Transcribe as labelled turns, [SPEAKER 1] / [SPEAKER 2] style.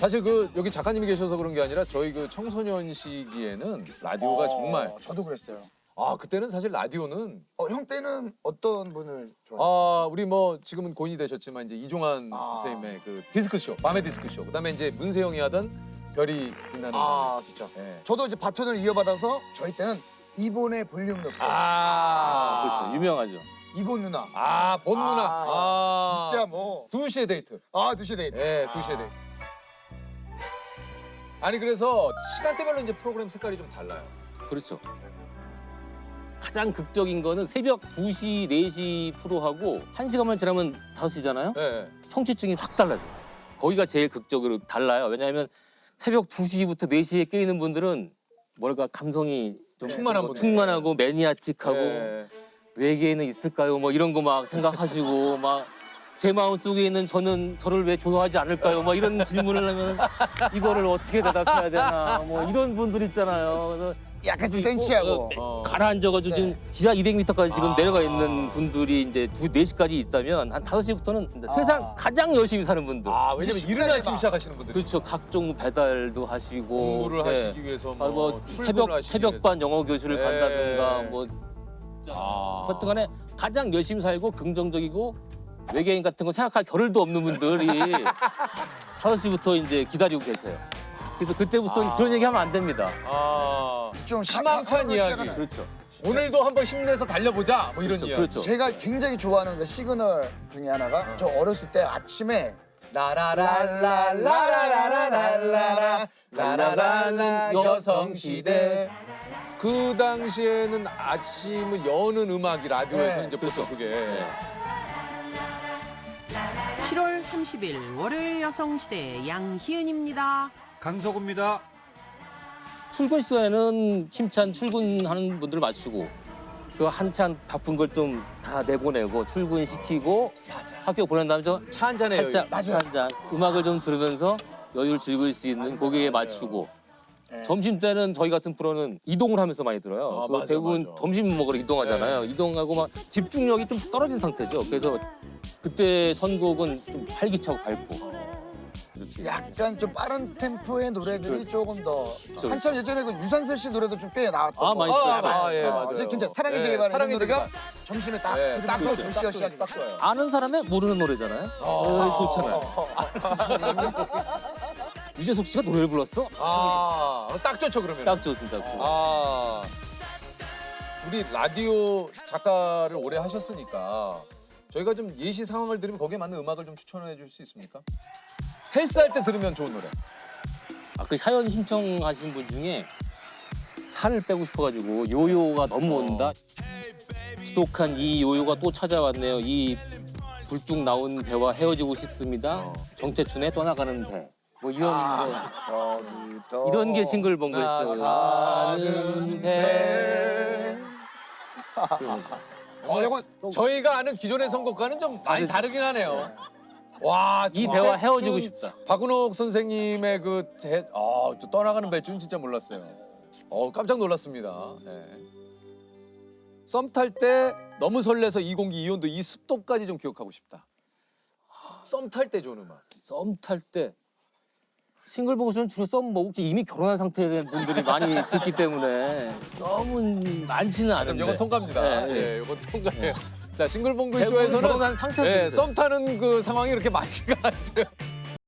[SPEAKER 1] 사실 그 여기 작가님이 계셔서 그런 게 아니라 저희 그 청소년 시기에는 라디오가 정말
[SPEAKER 2] 저도 그랬어요.
[SPEAKER 1] 그때는 사실 라디오는
[SPEAKER 2] 형 때는 어떤 분을 좋아했어요?
[SPEAKER 1] 우리 뭐 지금은 고인이 되셨지만 이제 이종환 선생님의 그 디스크쇼 밤의 디스크쇼 그다음에 이제 문세영이 하던 별이 빛나는
[SPEAKER 2] 진짜.
[SPEAKER 1] 예.
[SPEAKER 2] 저도 이제 바톤을 이어받아서 저희 때는 이본의 볼륨 높여.
[SPEAKER 3] 그렇죠. 유명하죠.
[SPEAKER 2] 이본 누나.
[SPEAKER 1] 본 누나
[SPEAKER 2] 진짜 뭐.
[SPEAKER 1] 2시의 데이트
[SPEAKER 2] 2시 데이트.
[SPEAKER 1] 예 2시의 데이트 아니 그래서 시간대별로 이제 프로그램 색깔이 좀 달라요.
[SPEAKER 3] 그렇죠. 가장 극적인 거는 새벽 2시, 4시 프로하고 1시간만 지나면 5시잖아요.
[SPEAKER 1] 예.
[SPEAKER 3] 청취층이 확 달라져요. 거기가 제일 극적으로 달라요. 왜냐하면 새벽 2시부터 4시에 깨있는 분들은 뭐랄까 감성이 좀
[SPEAKER 1] 충만한 분들.
[SPEAKER 3] 충만하고 매니아틱하고
[SPEAKER 1] 예.
[SPEAKER 3] 외계에는 있을까요? 뭐 이런 거 막 생각하시고 막 제 마음 속에 있는 저는 저를 왜 좋아하지 않을까요? 막 이런 질문을 하면 이거를 어떻게 대답해야 되나 뭐 이런 분들 있잖아요. 그래서
[SPEAKER 2] 약간 좀 센치하고.
[SPEAKER 3] 가라앉아가지고 지금 지하 200m까지 지금 내려가 있는 분들이 이제 4시까지 있다면 한 5시부터는 세상 가장 열심히 사는 분들.
[SPEAKER 1] 왜냐면 이른 아침 시작하시는 분들
[SPEAKER 3] 그렇죠. 각종 배달도 하시고
[SPEAKER 1] 공부를
[SPEAKER 3] 네.
[SPEAKER 1] 하시기 위해서
[SPEAKER 3] 뭐
[SPEAKER 1] 출근을 하시기
[SPEAKER 3] 새벽반 영어 교실을
[SPEAKER 1] 네.
[SPEAKER 3] 간다든가 뭐 하여튼간에 가장 열심히 살고 긍정적이고 외계인 같은 거 생각할 겨를도 없는 분들이 5시부터 이제 기다리고 계세요. 그래서 그때부터는 그런 얘기 하면 안 됩니다.
[SPEAKER 2] 좀
[SPEAKER 1] 희망찬 이야기.
[SPEAKER 2] 시작하나요?
[SPEAKER 3] 그렇죠.
[SPEAKER 1] 오늘도 한번 힘내서 달려보자 뭐 이런
[SPEAKER 3] 그렇죠.
[SPEAKER 1] 이야기.
[SPEAKER 3] 그렇죠.
[SPEAKER 2] 제가 굉장히 좋아하는 그 시그널 중에 하나가 저 어렸을 때 아침에 라라라라라라라라라라
[SPEAKER 3] 라라라는 여성시대.
[SPEAKER 1] 그 당시에는 아침을 여는 음악이 라디오에서
[SPEAKER 2] 네.
[SPEAKER 1] 이제 벌써 그게
[SPEAKER 4] 7월 30일 월요일 여성시대 양희은입니다.
[SPEAKER 5] 강석우입니다.
[SPEAKER 3] 출근 시간에는 힘찬 출근하는 분들 맞추고 그 한참 바쁜 걸 좀 다 내보내고 출근시키고 학교 보낸 다음에 좀
[SPEAKER 1] 차 한 잔에
[SPEAKER 3] 살짝
[SPEAKER 2] 맞아요.
[SPEAKER 3] 한잔 음악을 좀 들으면서 여유를 즐길 수 있는 고객에 맞추고 점심 때는 저희 같은 프로는 이동을 하면서 많이 들어요.
[SPEAKER 1] 맞아,
[SPEAKER 3] 대부분
[SPEAKER 1] 맞아.
[SPEAKER 3] 점심 먹으러 이동하잖아요. 이동하고 막 집중력이 좀 떨어진 상태죠. 그래서 그때 선곡은 좀 활기차고 밝고
[SPEAKER 2] 약간 좀 빠른 템포의 노래들이 조금 더
[SPEAKER 3] 그렇죠.
[SPEAKER 2] 한참 예전에 그 유산슬 씨 노래도 좀 꽤 나왔던
[SPEAKER 3] 많이
[SPEAKER 2] 거.
[SPEAKER 3] 있어요.
[SPEAKER 1] 예, 맞아요.
[SPEAKER 2] 근데 진짜 사랑의
[SPEAKER 1] 예,
[SPEAKER 2] 제발
[SPEAKER 1] 사랑의
[SPEAKER 2] 노래가
[SPEAKER 1] 제발.
[SPEAKER 2] 점심에 딱
[SPEAKER 1] 예,
[SPEAKER 2] 들으면
[SPEAKER 1] 딱
[SPEAKER 2] 그
[SPEAKER 1] 좋죠.
[SPEAKER 2] 정시가 시작이
[SPEAKER 1] 딱 좋아요.
[SPEAKER 3] 아는 사람의 모르는 노래잖아요. 좋잖아요. 유재석 씨가 노래를 불렀어?
[SPEAKER 1] 딱 좋죠 그러면.
[SPEAKER 3] 딱 좋습니다.
[SPEAKER 1] 우리 라디오 작가를 오래 하셨으니까 저희가 좀 예시 상황을 들으면 거기에 맞는 음악을 좀 추천해 줄 수 있습니까? 헬스할 때 들으면 좋은 노래.
[SPEAKER 3] 그 사연 신청하신 분 중에 살을 빼고 싶어가지고 요요가 너무 온다. 지독한 이 요요가 또 찾아왔네요. 이 불뚝 나온 배와 헤어지고 싶습니다. 정태춘의 떠나가는 배. 뭐 이런
[SPEAKER 2] 저기도
[SPEAKER 3] 이런 게 싱글벙글쇼. 가는 배.
[SPEAKER 2] 이거
[SPEAKER 1] 저희가 아는 기존의 선곡과는 좀 많이 다르긴 하네요. 와,
[SPEAKER 3] 이 배와 헤어지고 싶다.
[SPEAKER 1] 박은옥 선생님의 또 떠나가는 배줄 진짜 몰랐어요. 깜짝 놀랐습니다. 썸 탈 때 너무 설레서 이 공기 이 온도 이 습도까지 좀 기억하고 싶다. 썸 탈 때 좋은 음악.
[SPEAKER 3] 썸 탈 때 싱글벙글쇼는 주로 썸 뭐 이미 결혼한 상태의 분들이 많이 듣기 때문에 썸은 많지는
[SPEAKER 1] 그럼
[SPEAKER 3] 않은데.
[SPEAKER 1] 이건 통과입니다.
[SPEAKER 3] 네, 네.
[SPEAKER 1] 이건 통과해요. 자, 싱글벙글
[SPEAKER 3] 대부분
[SPEAKER 1] 쇼에서는
[SPEAKER 3] 결혼한 상태들.
[SPEAKER 1] 썸 타는 그 상황이 이렇게 많지가 않대요.